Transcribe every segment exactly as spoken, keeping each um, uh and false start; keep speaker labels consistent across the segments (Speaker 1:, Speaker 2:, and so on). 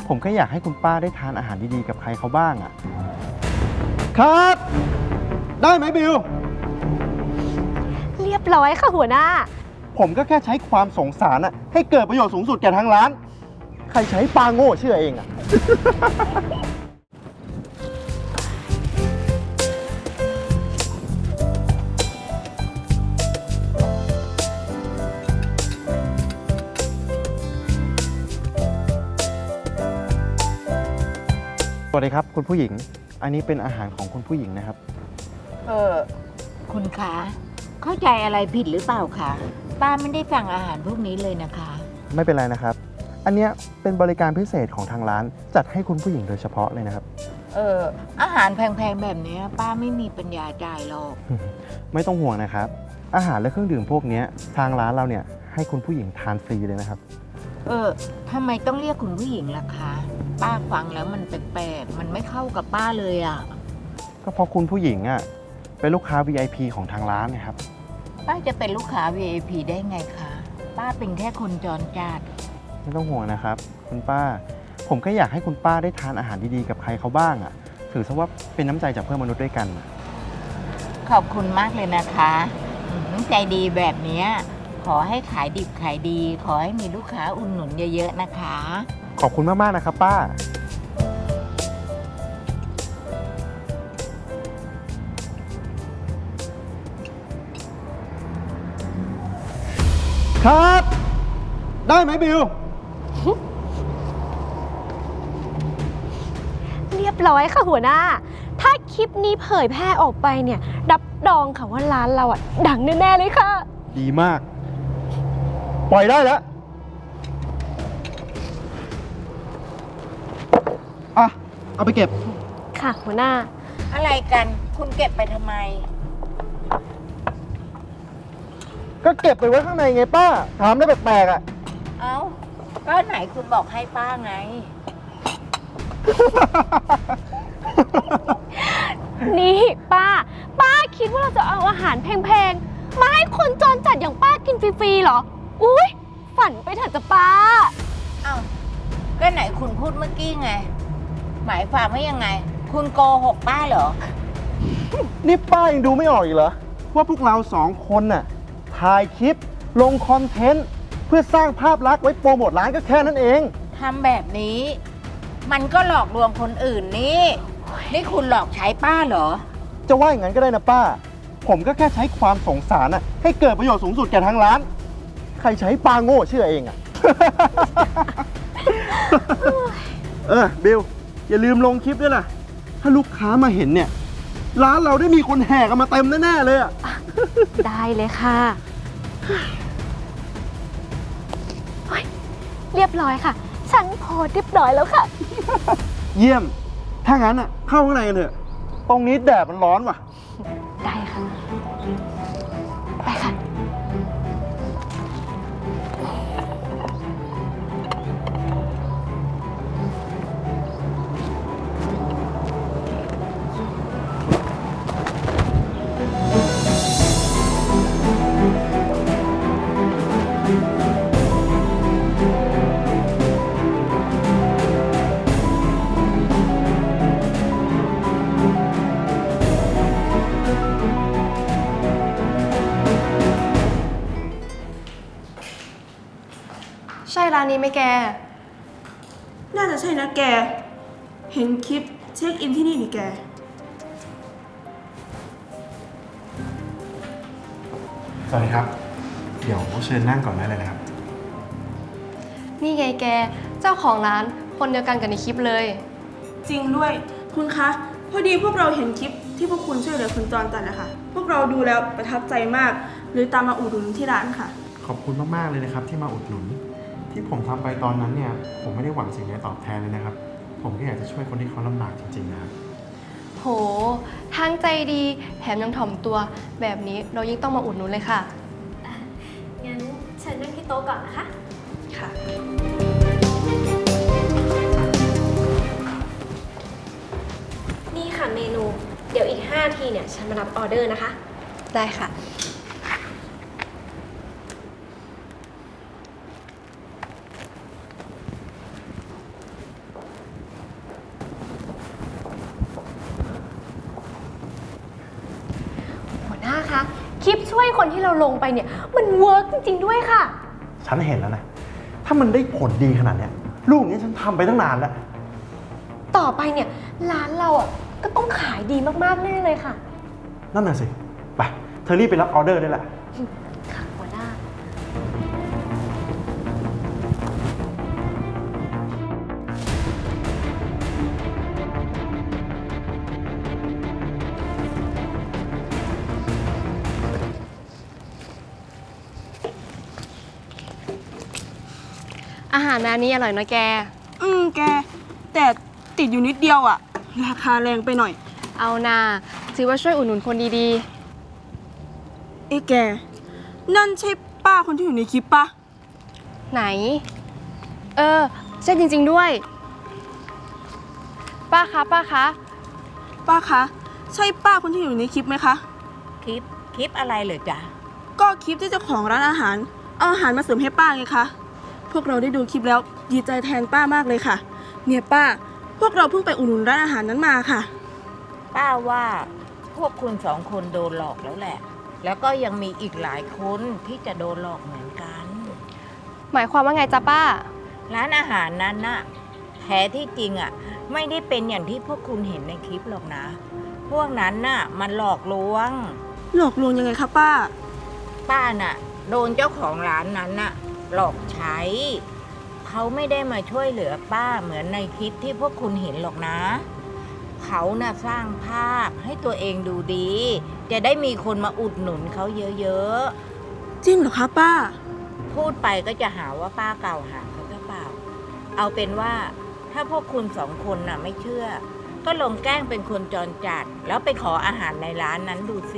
Speaker 1: ผมก็อยากให้คุณป้าได้ทานอาหารดีๆกับใครเขาบ้างอะครับได้ไหมบิว
Speaker 2: เรียบร้อยค่ะหัวหน้า
Speaker 1: ผมก็แค่ใช้ความสงสารอะให้เกิดประโยชน์สูงสุดแก่ทางร้านใครใช้ปลาโง่เชื่อเองอะ สวัสดีครับคุณผู้หญิงอันนี้เป็นอาหารของคุณผู้หญิงนะครับ
Speaker 3: เออคุณคะเข้าใจอะไรผิดหรือเปล่าคะป้าไม่ได้สั่งอาหารพวกนี้เลยนะคะ
Speaker 1: ไม่เป็นไรนะครับอันเนี้ยเป็นบริการพิเศษของทางร้านจัดให้คุณผู้หญิงโดยเฉพาะเลยนะครับ
Speaker 3: เอออาหารแพงๆแบบนี้ป้าไม่มีปัญญาจ่ายหรอก
Speaker 1: ไม่ต้องห่วงนะครับอาหารและเครื่องดื่มพวกนี้ทางร้านเราเนี่ยให้คุณผู้หญิงทานฟรีเลยนะครับ
Speaker 3: เออทำไมต้องเรียกคุณผู้หญิงล่ะคะป้าฟังแล้วมันแปลกๆมันไม่เข้ากับป้าเลยอ่ะ
Speaker 1: ก็เพราะคุณผู้หญิงอ่ะเป็นลูกค้า วี ไอ พี ของทางร้านนะครับ
Speaker 3: ป้าจะเป็นลูกค้า วี ไอ พี ได้ไงคะป้าเป็นแค่คนจรจัด
Speaker 1: ไม่ต้องห่วงนะครับคุณป้าผมก็อยากให้คุณป้าได้ทานอาหารดีๆกับใครเขาบ้างอ่ะถือซะว่าเป็นน้ำใจจากเพื่อนมนุษย์ด้วยกัน
Speaker 3: ขอบคุณมากเลยนะคะน้ำใจดีแบบนี้ขอให้ขายดิบขายดีขอให้มีลูกค้าอุดหนุนเยอะๆนะคะ
Speaker 1: ขอบคุณมากๆนะครับป้าครับได้ไหมบิว
Speaker 2: เรียบร้อยค่ะหัวหน้าถ้าคลิปนี้เผยแพร่ออกไปเนี่ยรับรองค่ะว่าร้านเราอ่ะดังแน่ๆเลยค่ะ
Speaker 1: ดีมากปล่อยได้แล้วอ่ะเอาไปเก็บ
Speaker 2: ค่ะหัวหน้า
Speaker 3: อะไรกันคุณเก็บไปทำไม
Speaker 1: ก็เก็บไปไว้ข้างในไงป้าถามได้แปลกๆอ่ะ
Speaker 3: เอ้าก็ไหนคุณบอกให้ป้าไง
Speaker 2: นี่ป้าป้าคิดว่าเราจะเอาอาหารแพงๆมาให้คนจรจัดอย่างป้ากินฟรีๆเหรออุ๊ยฝันไปเถอะจ้ะป้า
Speaker 3: เอ้าก็ไหนคุณพูดเมื่อกี้ไงหมายความว่ายังไงคุณโกหกป้าเหรอ
Speaker 1: นี่ป้ายังดูไม่ออกอีกเหรอว่าพวกเราสองคนน่ะถ่ายคลิปลงคอนเทนต์เพื่อสร้างภาพลักษณ์ไว้โปรโมทร้านก็แค่นั้นเอง
Speaker 3: ทำแบบนี้มันก็หลอกลวงคนอื่นนี่นี่คุณหลอกใช้ป้าเหรอ
Speaker 1: จะว่าอย่างนั้นก็ได้นะป้าผมก็แค่ใช้ความสงสารน่ะให้เกิดประโยชน์สูงสุดแก่ทางร้านใครใช้ปลาโง่เชื่อเองอ่ะ เออบิลอย่าลืมลงคลิปด้วยล่ะถ้าลูกค้ามาเห็นเนี่ยร้านเราได้มีคนแห่กันมาเต็มแน่ๆเลยอ่ะ
Speaker 2: ได้เลยค่ะเรียบร้อยค่ะฉันโพสเรียบร้อยแล้วค่ะ
Speaker 1: เยี่ยมถ้างั้นอ่ะเข้าข้างในกันเถอะตรงนี้แดดมันร้อนว่ะ
Speaker 2: ได้ค่ะไปค่ะ
Speaker 4: ใช่ร้านนี้ไหมแกน่าจะใช่นะแกเห็นคลิปเช็คอินที่นี่นี่แก
Speaker 1: สวัสดีครับเดี๋ยวเชิญนั่งก่อนได้เลยนะครับ
Speaker 5: นี่ไงแกเจ้าของร้านคนเดียวกันกับในคลิปเลย
Speaker 4: จริงด้วยคุณคะพอดีพวกเราเห็นคลิปที่พวกคุณช่วยเหลือคนจรจัดนะคะพวกเราดูแล้วประทับใจมากเลยตามมาอุดหนุนที่ร้านค่ะ
Speaker 1: ขอบคุณมากๆเลยนะครับที่มาอุดหนุนที่ผมทำไปตอนนั้นเนี่ยผมไม่ได้หวังสิ่งใดตอบแทนเลยนะครับผมก็อยากจะช่วยคนที่เขาลำบากจริงๆนะครับ
Speaker 5: โหทั้งใจดีแถมยังถ่อมตัวแบบนี้เรายิ่งต้องมาอุดหนุนเลยค่ะ
Speaker 2: งั้นเชิญนั่งที่โต๊ะก่อนนะคะ
Speaker 5: ค่ะ
Speaker 2: นี่ค่ะเมนูเดี๋ยวอีกห้าทีเนี่ยฉันมารับออเดอร์นะคะ
Speaker 5: ได้ค่ะ
Speaker 2: คลิปช่วยคนที่เราลงไปเนี่ยมันเวิร์กจริงๆด้วยค่ะ
Speaker 1: ฉันเห็นแล้วนะ ถ้ามันได้ผลดีขนาดเนี้ยลูกนี้ฉันทำไปตั้งนานแล้ว
Speaker 2: ต่อไปเนี่ยร้านเราอ่ะก็ต้องขายดีมากๆแน่เลยค่ะ
Speaker 1: นั่นน่ะสิ ไป เธอรีบไปรับออเดอร์ได้แหละ
Speaker 2: ค่ะหัวหน้า
Speaker 5: อาหารร้านนี้อร่อยนะแก
Speaker 4: อืมแก แต่ติดอยู่นิดเดียวอะราคาแรงไปหน่อย
Speaker 5: เอานาถือว่าช่วยอุดหนุนคนดี
Speaker 4: เอ้แก นั่นใช่ป้าคนที่อยู่ในคลิปปะ
Speaker 5: ๆ ไหน เออ ใช่จริงๆด้วย ป้าคะ ป้าคะ
Speaker 4: ป้าคะ ใช่ป้าคนที่อยู่ในคลิปไหมคะ
Speaker 3: คลิปคลิปอะไรเหรอจ๊ะ
Speaker 4: ก็คลิปที่เจ้าของร้านอาหาร เอาอาหารมาเสริมให้ป้าไงคะ พวกเราได้ดูคลิปแล้วดีใจแทนป้ามากเลยค่ะ เนี่ยป้า พวกเราเพิ่งไปอุดหนุนร้านอาหารนั้นมาค่ะ
Speaker 3: ป้าว่าพวกคุณสองคนโดนหลอกแล้วแหละ แล้วก็ยังมีอีกหลายคนที่จะโดนหลอกเหมือนกัน
Speaker 5: หมายความว่าไงจ๊ะป้า
Speaker 3: ร้านอาหารนั้นน่ะแท้ที่จริงอ่ะไม่ได้เป็นอย่างที่พวกคุณเห็นในคลิปหรอกนะ พวกนั้นน่ะมันหลอกลวง
Speaker 4: หลอกลวงยังไงคะป้า
Speaker 3: ป้าน่ะโดนเจ้าของร้านนั้นน่ะหลอกใช้ เขาไม่ได้มาช่วยเหลือป้าเหมือนในคลิปที่พวกคุณเห็นหรอกนะ เขาน่ะสร้างภาพให้ตัวเองดูดี จะได้มีคนมาอุดหนุนเขาเยอะ
Speaker 4: จริงเหรอคะป้า
Speaker 3: ๆ พูดไปก็จะหาว่าป้ากล่าวหาเขาหรือเปล่า เอาเป็นว่าถ้าพวกคุณสองคนน่ะไม่เชื่อ ก็ลองแกล้งเป็นคนจรจัด แล้วไปขออาหารในร้านนั้นดูสิ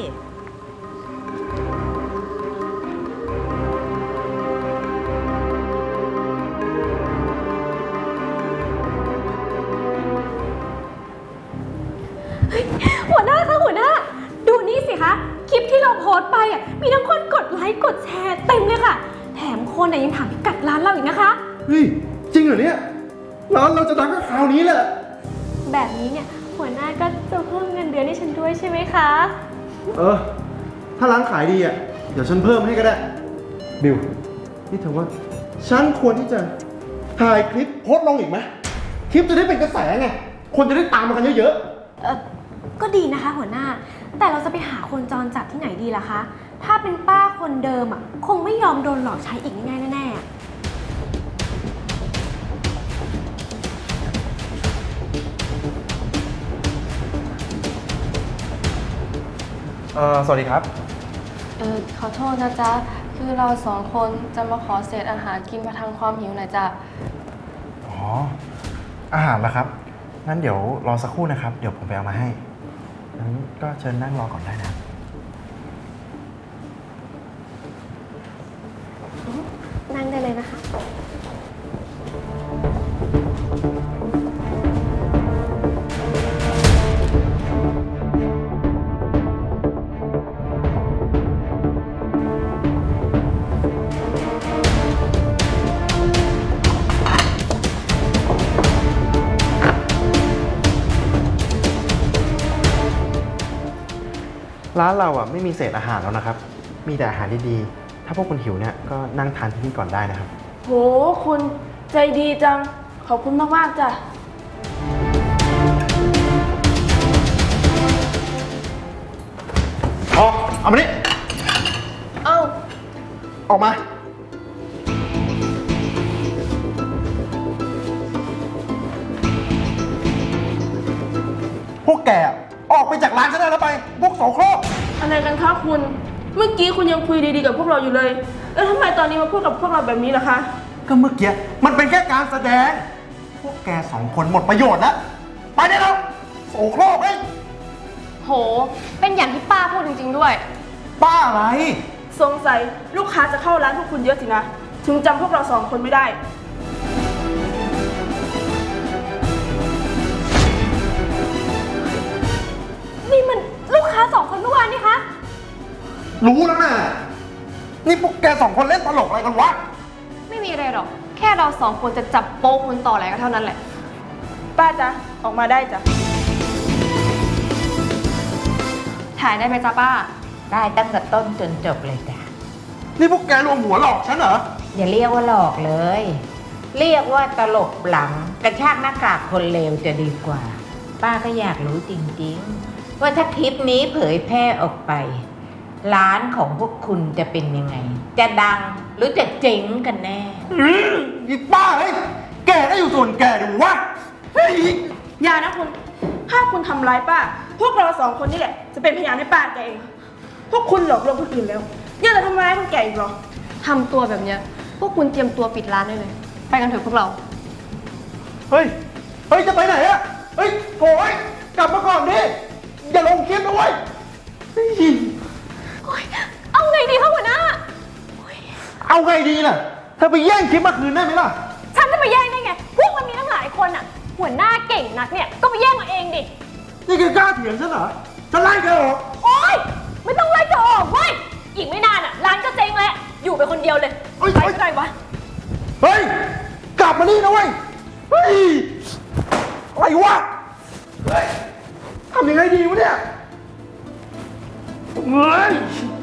Speaker 2: หัวหน้าคะหัวหน้า ดูนี่สิคะคลิปที่เราโพสต์ไปอ่ะมีทั้งคนกดไลค์กดแชร์เต็มเลยค่ะ แถมคนอ่ะยังถามพิกัดร้านเราอีกนะคะ
Speaker 1: เฮ้ย จริงเหรอเนี่ย ร้านเราจะดังก็คราวนี้แหละ
Speaker 2: แบบนี้เนี่ยหัวหน้าก็จะเพิ่มเงินเดือนให้ฉันด้วยใช่ไหมคะ
Speaker 1: เออ ถ้าร้านขายดีอ่ะ เดี๋ยวฉันเพิ่มให้ก็ได้ บิว นี่เธอว่า ฉันควรที่จะถ่ายคลิปโพสต์ลงอีกไหม คลิปจะได้เป็นกระแสไง คนจะได้ตามมากันเยอะ
Speaker 2: เออก็ดีนะคะหัวหน้า แต่เราจะไปหาคนจรจัดที่ไหนดีล่ะคะ ถ้าเป็นป้าคนเดิมอ่ะคงไม่ยอมโดนหลอกใช้อีกง่ายๆแน่ๆ
Speaker 1: ๆเออสวัสดีครับ
Speaker 5: เออ ขอโทษนะจ๊ะ คือเราสองคนจะมาขอเศษอาหารกินประทังความหิวหน่อยจ้ะ
Speaker 1: อ๋อ อาหารละครับ งั้นเดี๋ยวรอสักครู่นะครับ เดี๋ยวผมไปเอามาให้ งั้นก็เชิญนั่งรอก่อนได้นะ
Speaker 2: นั่งได้เลยนะคะ
Speaker 1: ร้านเราอ่ะไม่มีเศษอาหารแล้วนะครับ มีแต่อาหารดีๆ ถ้าพวกคุณหิวเนี่ยก็นั่งทานที่นี่ก่อนได้นะครับ
Speaker 4: โห คุณใจดีจัง ขอบคุณมากๆจ้ะ
Speaker 1: ออกเอามานี่
Speaker 5: เอ้า
Speaker 1: ออกมา พวกแกอ่ะออกไปจากร้านฉันได้แล้วไป พวกโสโครก
Speaker 4: อะไรกันคะคุณ เมื่อกี้คุณยังคุยดีๆกับพวกเราอยู่เลย แล้วทำไมตอนนี้มาพูดกับพวกเราแบบนี้ล่ะคะ
Speaker 1: ก็เมื่อกี้มันเป็นแค่การแสดง พวกแกสองคนหมดประโยชน์แล้ว ไปได้แล้วโสโครกเอ้ย
Speaker 5: โห เป็นอย่างที่ป้าพูดจริงๆด้วย
Speaker 1: ป้าอะไร
Speaker 4: สงสัยลูกค้าจะเข้าร้านพวกคุณเยอะสินะ ถึงจำพวกเราสองคนไม่ได้
Speaker 2: นี่มันลูกค้าสองคนเมื่อวานนี่คะ
Speaker 1: รู้แล้วนะนี่พวกแกสองคนเล่นตลกอะไรกันวะ
Speaker 5: ไม่มีอะไรหรอก แค่เราสองคนจะจับโป๊กคนต่ออะไรก็เท่านั้นแหละ
Speaker 4: ป้าจ๊ะ ออกมาได้จ้ะ
Speaker 5: ถ่ายได้ไหมจ๊ะป้า
Speaker 3: ได้ตั้งแต่ต้นจนจบเลยจ้ะ
Speaker 1: นี่พวกแกรวมหัวหลอกฉันเหรอ
Speaker 3: อย่าเรียกว่าหลอกเลย เรียกว่าตลบหลังกระชากหน้ากากคนเลวจะดีกว่า ป้าก็อยากรู้จริงๆ ว่าถ้าคลิปนี้เผยแพร่ออกไป ร้านของพวกคุณจะเป็นยังไง จะดังหรือจะเจ๊งกันแน่
Speaker 1: อืมอีป้าเฮ้ยแกได้อยู่ส่วนแกดิวะเฮ้ย
Speaker 4: อย่านะคุณ ถ้าคุณทำร้ายป้า พวกเราสองคนนี่แหละ จะเป็นพยานให้ป้าแกเอง พวกคุณหลอกลวงคนอื่นแล้วยังจะทำร้ายคนแก่อีกเหรอ
Speaker 5: ทำตัวแบบเนี้ยพวกคุณเตรียมตัวปิดร้านได้เลย ไปกันเถอะพวกเรา
Speaker 1: เฮ้ย เฮ้ย จะไปไหนอะเฮ้ยโถ่ยกลับมาก่อนดิ อย่าลงคลิปนะเว้ยเฮ้ย
Speaker 2: โอ๊ยเอาไงดีคะหัวหน้า
Speaker 1: เอาไงดีล่ะ เธอไปแย่งคลิปมาคืนได้ไหมล่ะ
Speaker 2: ฉันจะไปแย่งได้ไง พวกมันมีตั้งหลายคนอ่ะ หัวหน้าเก่งนักเนี่ย ก็ไปแย่งมาเองดิ
Speaker 1: นี่แกกล้าเถียงฉันเหรอ ฉันไล่แกออก
Speaker 2: โอ๊ย ไม่ต้องไล่เธอออกเว้ย อีกไม่นานอ่ะ ร้านก็เจ๊งแล้ว อยู่ไปคนเดียวเลย
Speaker 1: เฮ้ย
Speaker 2: ไปก็ได้วะ
Speaker 1: เฮ้ย กลับมานี่นะเว้ย เฮ้ย อะไรวะ เฮ้ย ทำยังไงดีวะเนี่ย เฮ้ย